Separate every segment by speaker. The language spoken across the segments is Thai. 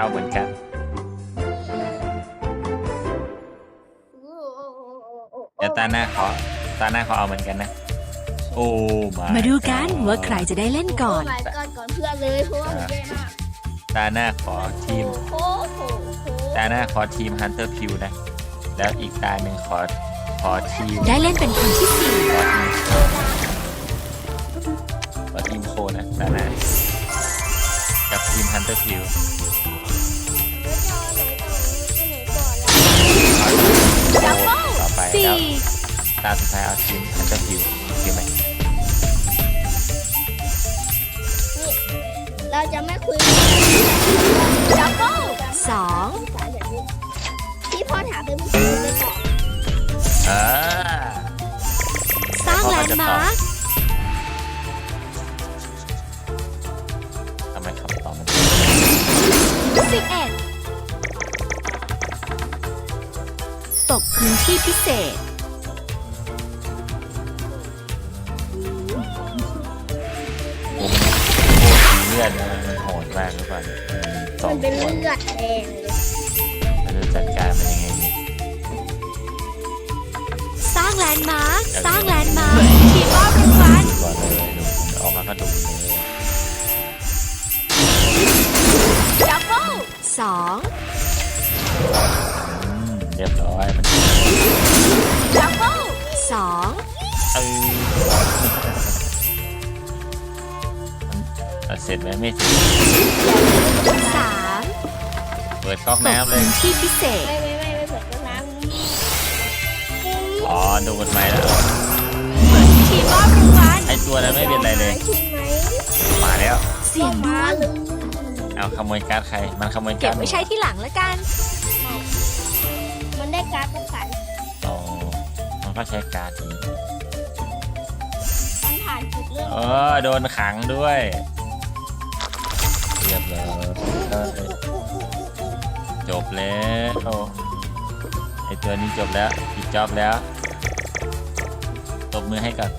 Speaker 1: เอาเหมือนกันเดี๋ยวตาหน้าขอเอาเหมือนกันนะโอ้
Speaker 2: มาดูกันว่าใครจะได้เล่นก่อน
Speaker 3: ก่อนเพื่อนเลยเพราะว่าผมแย่มาก
Speaker 1: ตาหน้าขอทีม
Speaker 3: โอ้โห
Speaker 1: ตาหน้าขอทีม Hunter Q นะแล้วอีกตาหนึ่งขอทีม
Speaker 2: ได้เล่นเป็นคนที่สี่
Speaker 1: ขอทีมโคนะตาหน้ากับทีม Hunter Q
Speaker 3: แล้วก็
Speaker 1: ต่อไป
Speaker 2: สี่
Speaker 1: แล้วตาสุดท้ายเอาทีม Hunter Q โอเคไหม
Speaker 3: เราจะไม่คุยดับเบิ้ล
Speaker 2: สอง
Speaker 3: ที่พ่อถามเป็นผู้ชายจะตอบ
Speaker 2: สร้างแลนด์มาร์ค
Speaker 1: ทำไมคำตอบมัน
Speaker 2: 11ตกพื้นที่พิเศษ
Speaker 1: สีเลือดมันโหดมากหรือเปล่าสอ
Speaker 3: มั
Speaker 1: ง
Speaker 3: นเป็น
Speaker 1: คน
Speaker 3: เลือดแดงเลย
Speaker 1: เราจะจัดการมันยังไงดี
Speaker 2: สร้างแลนด์มาร์คสร้างแลนด์มาร์คทีมมอบรางวัล
Speaker 1: ก่อนเลยดูออกมาก็ดูเลย
Speaker 3: ดับเบิ้ล
Speaker 2: สอง
Speaker 1: เรียบร้อยมัน
Speaker 3: ดับเบิ้ล
Speaker 2: สอง
Speaker 1: มันเสร็จไหมไม่เสร็จ
Speaker 2: สาม
Speaker 1: เปิดก๊อก
Speaker 2: ตก
Speaker 1: น้ำเลย
Speaker 2: พื้นที่พิเศษ
Speaker 3: ไม่เปิดน้ำ
Speaker 1: อ๋อดูกฎหมายแล้ว
Speaker 2: ทีมมอบรางวัล
Speaker 1: ไอตัวนั้นไม่เป็นไรเลย
Speaker 3: ใช่ไหม
Speaker 1: มาแล้ว
Speaker 2: เสียงดวง
Speaker 3: เลย
Speaker 1: เอาขโมยการ์ดใครมันขโมย
Speaker 2: เก็
Speaker 1: กา
Speaker 2: บ
Speaker 1: ร์ด
Speaker 2: ไว้ใช้ที่หลังแล้วกัน
Speaker 3: มันได้การ์ดป้องกัน
Speaker 1: อ๋อมันก็ใช้การ์ดนี้
Speaker 3: มันผ่านจุดเริ่ม
Speaker 1: โดนขังด้วยเรียบร้อยจบแล้วไอตัวนี้จบแล้วปิดจ็อบแล้วตบมือให้ก่อน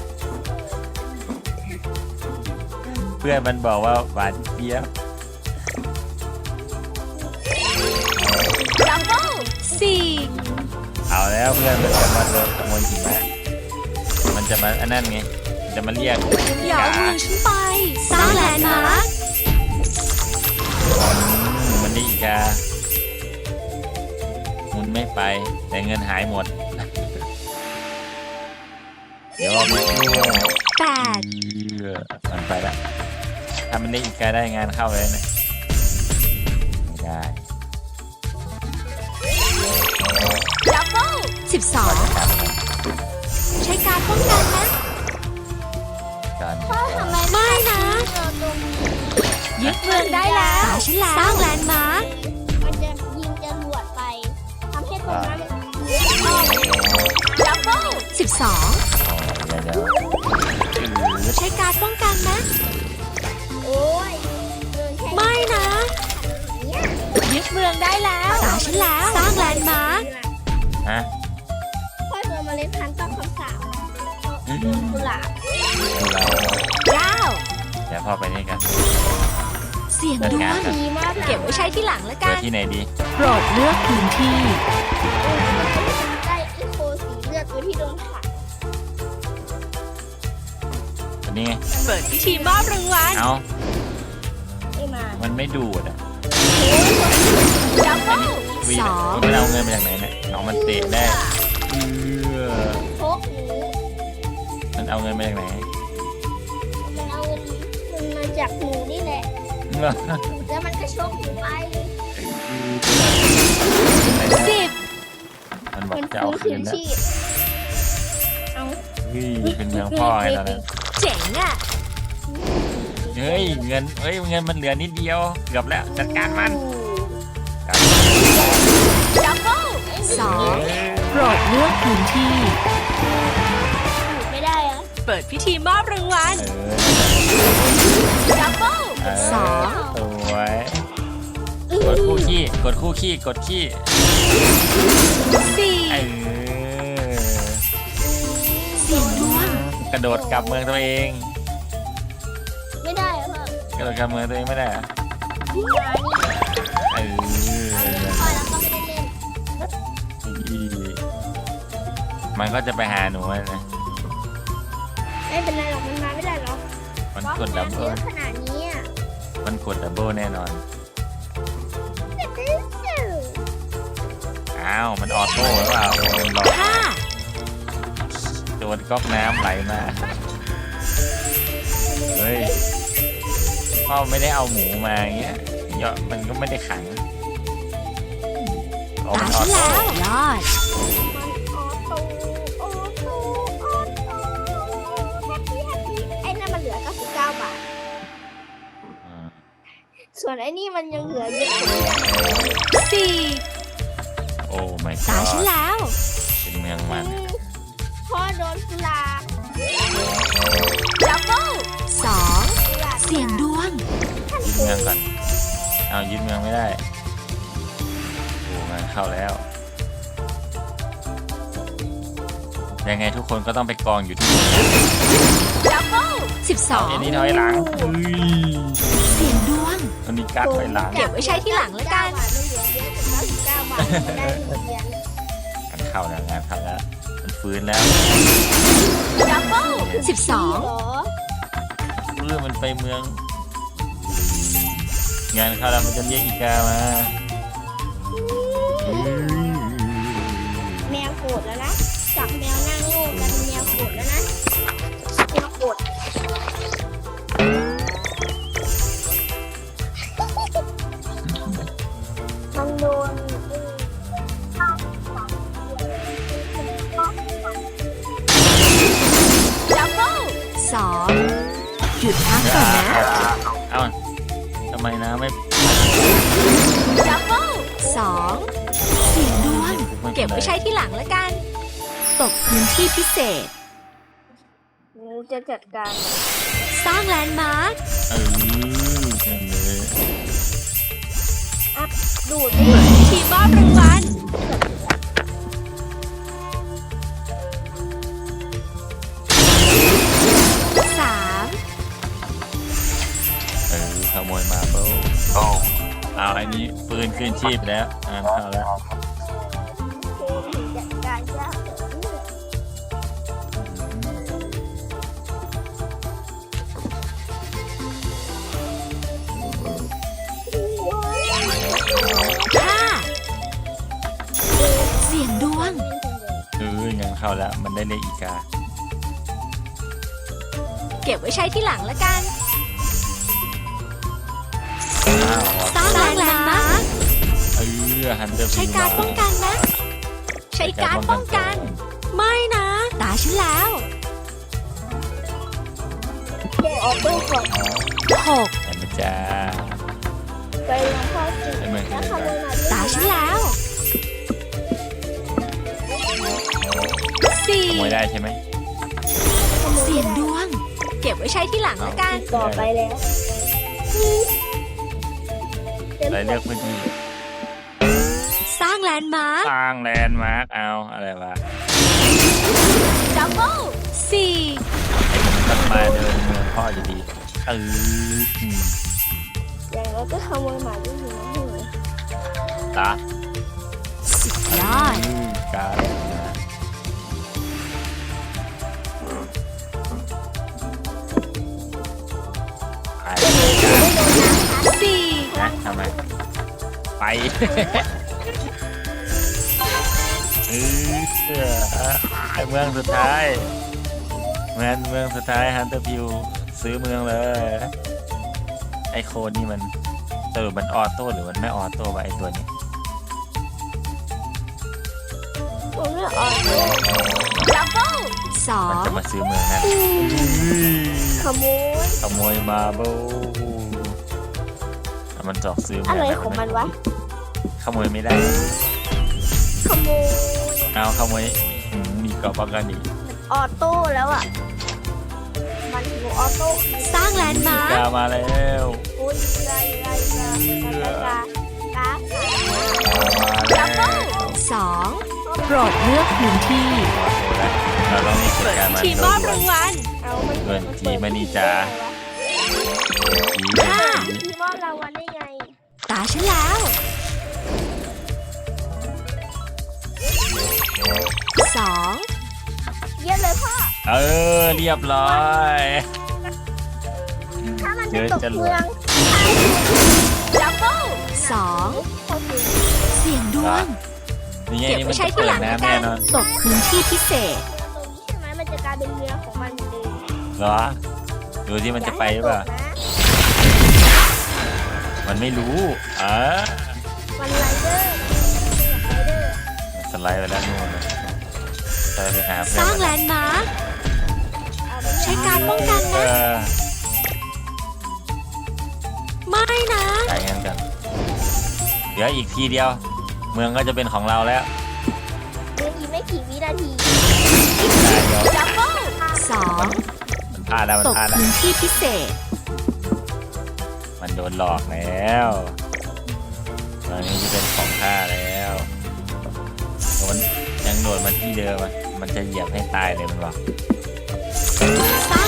Speaker 1: เพื่อนมันบอกว่าหวานเจี๊ยบ
Speaker 3: ดับเบิ้ล
Speaker 2: สี่
Speaker 1: เอาแล้วเพื่อนมันจะมาโดนขโมยหิมะมันจะมาอันนั้นไงมันจะมาเรียก
Speaker 2: อย่าเอามือฉันไป สร้างแลนด์มาร์ค
Speaker 1: มันนี่อีกามุนไม่ไปแต่เงินหายหมด เดี๋ยวเอาไป
Speaker 2: แปด
Speaker 1: มันไปละถ้ามันได้อีกาได้งานเข้าเลยนะไม่ได้
Speaker 3: ดับเบิ้ล
Speaker 2: 12 ใช้การป้องกันนะ
Speaker 1: การ
Speaker 3: พ่อทำไม
Speaker 2: ไม่นะ
Speaker 3: เจอตรงนี้
Speaker 2: ยึดเมืองได้แล้วตาฉันแล้ว สร้างแลนด์มาร์ค
Speaker 3: มันจะยิงจรวดไปทำให้ตรงนั้นดับเบิ้ล
Speaker 2: 12
Speaker 1: เดี๋ยว
Speaker 2: ใช้การป้องกันนะ
Speaker 3: โอ้ยเดินแค่
Speaker 2: ไม่นะ
Speaker 3: นี้
Speaker 2: ยึดเมืองได้แล้วตาฉันแล้ว สร้างแลนด์มาร์ค
Speaker 1: ฮะ
Speaker 3: พ่อเจอเมล็ดพันธุ์ต้องคำสาปกุหลาบ
Speaker 2: 9
Speaker 1: เดี๋ยวพ่อไปนี่กัน
Speaker 2: เสียงดวง
Speaker 3: ดีมาก
Speaker 2: เก็บไว้ใช้ที่หลังแล้ว
Speaker 1: เจ
Speaker 2: กั
Speaker 1: อน ที่ไหนดี
Speaker 2: โปรดเลือกพื้นที่
Speaker 3: ได้อีโคสีเลือดตัวที่โดนขัด
Speaker 1: ตัวนี้ไง
Speaker 2: เปิดพิธีมอบรางวัล
Speaker 1: เอา
Speaker 3: ไม่มา
Speaker 1: มันไม่ดูดอ่ะ
Speaker 3: ดับเบิ้ล
Speaker 1: วี
Speaker 2: สอง
Speaker 1: มันเอาเงินมาจากไหนเนี่ยเอามันเตะได้
Speaker 3: โคกหนู
Speaker 1: มันเอาเงินมาจากไหน
Speaker 3: มันเอามันมาจากหนูนี่แหละแล้วมันก็ชกหนูไป
Speaker 2: 10
Speaker 1: มันบอก
Speaker 3: มัน
Speaker 1: จะเอา
Speaker 3: ฟื้
Speaker 1: คื
Speaker 3: น
Speaker 1: น
Speaker 3: คืน
Speaker 1: แล้ว
Speaker 3: ชีพเอา
Speaker 1: เฮ้ยเป็นเมืองพ่อไงตอนนั้น
Speaker 2: เจ๋งอ่ะ
Speaker 1: เฮ้ยเงินมันเหลือนิดเดียวเกือบแล้วจัดการมัน
Speaker 3: ดับเบิ้ล
Speaker 2: 2 โปรดเลือกพื้นที่
Speaker 3: ไม่ได้อะ
Speaker 2: เปิดพิธีมอบรางวัล
Speaker 3: ดับเบิ้ล
Speaker 2: สอง
Speaker 1: สวยกดคู่ขี้กดขี้
Speaker 2: 4
Speaker 1: เออ
Speaker 2: เสียงดวง
Speaker 1: กระโดดกลับเมืองตัวเอง
Speaker 3: ไม่ได้อะพ่อก
Speaker 1: ระโดดกลับเมืองตัวเองไม่ได้เหรอ
Speaker 3: มานี่
Speaker 1: มันก็จะไปหาหนูนะ
Speaker 3: ไม่เป็นไรหรอกมันมาไม่ได้หรอก
Speaker 1: มันกดดับ
Speaker 3: เย
Speaker 1: เบิล
Speaker 3: อะขนาดนี้อะ
Speaker 1: มันกดดับเบิลแน่นอน อ้าว มันออโต้หรือเปล่าโดนหลอก
Speaker 2: ห้า
Speaker 1: โดนก๊อกน้ำไหลมา เฮ้ยพ่อไม่ได้เอาหมูมาอย่างเงี้ยเยอะมันก็ไม่ได้ขังอ๋อ
Speaker 2: ตา
Speaker 1: มันอ
Speaker 2: ฉั
Speaker 1: อน โต้
Speaker 2: แล้วยอด
Speaker 3: มันออโต้ออโต้ออโต้แฮปปี้ไอ้นั่นมันเหลือ99 บาท
Speaker 1: อืม
Speaker 3: ส่วนไอ้นี่มันยังเหลือเยอะกว่านี้
Speaker 2: สี่
Speaker 1: โอ้ไม่
Speaker 2: ตาฉันแล้ว
Speaker 1: เป็นเมืองมัน
Speaker 3: พ่อโดนกุหลาบ
Speaker 2: ดับเบิลสอง
Speaker 3: กุหลาบ
Speaker 2: เสียงดวง
Speaker 1: ยึดเมืองก่อนเอายึดเมืองไม่ได้โอ้มันเข้าแล้ว ยังไงทุกคนก็ต้องไปกองอยู่ที่
Speaker 2: ดับเบิลสิบส
Speaker 1: เอา
Speaker 2: อง
Speaker 1: เอ็นนี่ถอยหลังอุ้ย
Speaker 2: เสียงดวง
Speaker 1: อันนี้กัดถอยหลัง
Speaker 2: เก็บไว้ใช้ที่หลังแล้วกัน
Speaker 3: บาทมันเหลือเยอะกว่า99 บาทมันได้เหรียญ
Speaker 1: งานเข้าแล้วงานเข้าแล้วมันฟื้นแล้ว
Speaker 2: ดับเบิลสิบสอง
Speaker 3: เหรอ
Speaker 1: มันไปเมือง งานเข้าแล้วมันจะเรียกอีกามา
Speaker 3: แมวโกรธแล้วนะจากแมวหน้าโง่กลายเป็นแมวโกรธแล้วนะแมวโกรธมันโดน
Speaker 2: ดับเบิลสองหยุดพักก่อนนะ
Speaker 1: เอ้าทำไมนะไม่
Speaker 2: ดับเบิลสองเสียงดวง เก็บไว้ใช้ที่หลังแล้วกัน ตกพื้นที่พิเศษ
Speaker 3: งูจะจัดการ
Speaker 2: สร้างแลนด์มาร์ค
Speaker 1: นั่นเลย
Speaker 3: อัพดูด
Speaker 2: ทีมมอบรางวัลสาม
Speaker 1: ขโมยมาเบิลเอาไอ้นี้ปืนขึ้นชีพแล้วเข้าแล้ว
Speaker 3: เกมจัดการยาก
Speaker 2: ห้าเสียงดวง
Speaker 1: งานเข้าแล้วมันได้เรียกอีกา
Speaker 2: เก็บไว้ใช้ที่หลังแล้วกัน
Speaker 1: อ้าว
Speaker 2: สร้างแลนด์มาร์ค
Speaker 1: ฮันเตอร์
Speaker 2: ใช้การป้องกันนะ ใช้การป้องกัน ไม่นะ ตาฉันแล้ว
Speaker 3: เกมออโต้ก่อน
Speaker 2: หก
Speaker 1: เห็นไหมจ้า
Speaker 3: ไปลงพ่อสิแล้วขโมยมา
Speaker 2: ตาฉันแล้วสี่
Speaker 1: ขโมยได้ใช่ไหม
Speaker 2: เสียงดวง เก็บไว้ใช้ที่หลังแล้วกัน
Speaker 3: ต่อไปแล้ว
Speaker 1: อะไรเลือกพื้นที่
Speaker 2: สร้างแลนด์มาร์ค
Speaker 1: สร้างแลนด์มาร์กเอาอะไรวะ
Speaker 2: ดับเบิลสี่
Speaker 1: มันมาเดินเมืองพ่ออยู่ดีอืม
Speaker 3: อย่างเราก็ขโมยหมาด้วยนะหนู
Speaker 1: ตา
Speaker 2: สุดยอด
Speaker 1: การไอ้
Speaker 2: สี่
Speaker 1: นะทำไมไปไอเมืองสุดท้ายเมืองสุดท้ายฮันเตอร์พิวซื้อเมืองเลยไอโคนนี่มันมันออโต้หรือมันไม่ออโต้วะไอตัวนี้
Speaker 3: ผมไม่ออกเลย
Speaker 2: ดับเบิลสอ
Speaker 1: มัน
Speaker 2: ง
Speaker 1: จะมาซื้อเมืองนั่น
Speaker 3: ขโมย
Speaker 1: ขโมยมาโบมันจอกซื้อเมื
Speaker 3: อะไรของมันวะ
Speaker 1: ขโมยไม่ได้
Speaker 3: ขโมย
Speaker 1: เอาขโมยมีกรอบป้องกันอีก
Speaker 3: ออโต้แล้วอ่ะ มันอยู่ออโต้
Speaker 2: สร้างแลนด์มาร์ค
Speaker 1: กามาแล้ว
Speaker 3: โอ้ยกา
Speaker 1: มาแล้ว
Speaker 2: สองโปรดเลือกพื้นที่
Speaker 1: เราต้องมีกิจการมัน
Speaker 2: ทีมมอบรางวัล
Speaker 3: เอามัน
Speaker 1: เงินจีมานีจ้า
Speaker 2: ห้า
Speaker 3: ทีมอบรางวัลได้ไง
Speaker 2: ตาฉันแล้วสอง
Speaker 3: พ่อ
Speaker 1: เรียบร้อย
Speaker 3: ถ้ามันเป็นตกเมืองดับเบิ้ล
Speaker 2: 2
Speaker 3: คนหนึ่ง
Speaker 2: เสี่ยงดวง
Speaker 1: นี่ไง
Speaker 2: เก็บ
Speaker 1: นี่
Speaker 2: ไว้
Speaker 1: มัน
Speaker 2: ใช้
Speaker 1: จะ
Speaker 2: ที่
Speaker 1: เปิ
Speaker 2: หลั
Speaker 1: ด
Speaker 2: งแล้ว
Speaker 1: น้ำ
Speaker 2: กั
Speaker 1: แน่
Speaker 2: น
Speaker 1: นอน
Speaker 2: ตกพื้นที่พิเศษ
Speaker 3: ตรงนี้ใช่ไหมมันจะกลายเป็นเมืองของมันเอง
Speaker 1: เหรอ ดูที่มันจะไปหรือเปล่า มันไม่รู้
Speaker 3: มันไรเดอร์
Speaker 1: มันสไลด์ไปแล้วนู่นไปหาเพื่
Speaker 2: ส
Speaker 1: อน
Speaker 2: ร้าง
Speaker 1: มัน
Speaker 2: แลนด์มาร์คใช้การป้องกันนะ ไม่นะ
Speaker 1: ใช้งั้นกัน เดี๋ยวอีกทีเดียว เมืองก็จะเป็นของเราแล้ว
Speaker 3: เมืองอีกไม่กี่วินาที
Speaker 1: ได้เดี๋ยว
Speaker 3: ดับเบิ้ล
Speaker 2: 2
Speaker 1: มันพลาดแล้วมัน
Speaker 2: ตก
Speaker 1: พลาดแล้ว
Speaker 2: พื้นที่พิเศษ
Speaker 1: มันโดนหลอกแล้วตอนนี้จะเป็นของข้าแล้วมันยังโดดมาที่เดิมอะมันจะเหยียบให้ตายเลยมันบอก
Speaker 2: สร้าง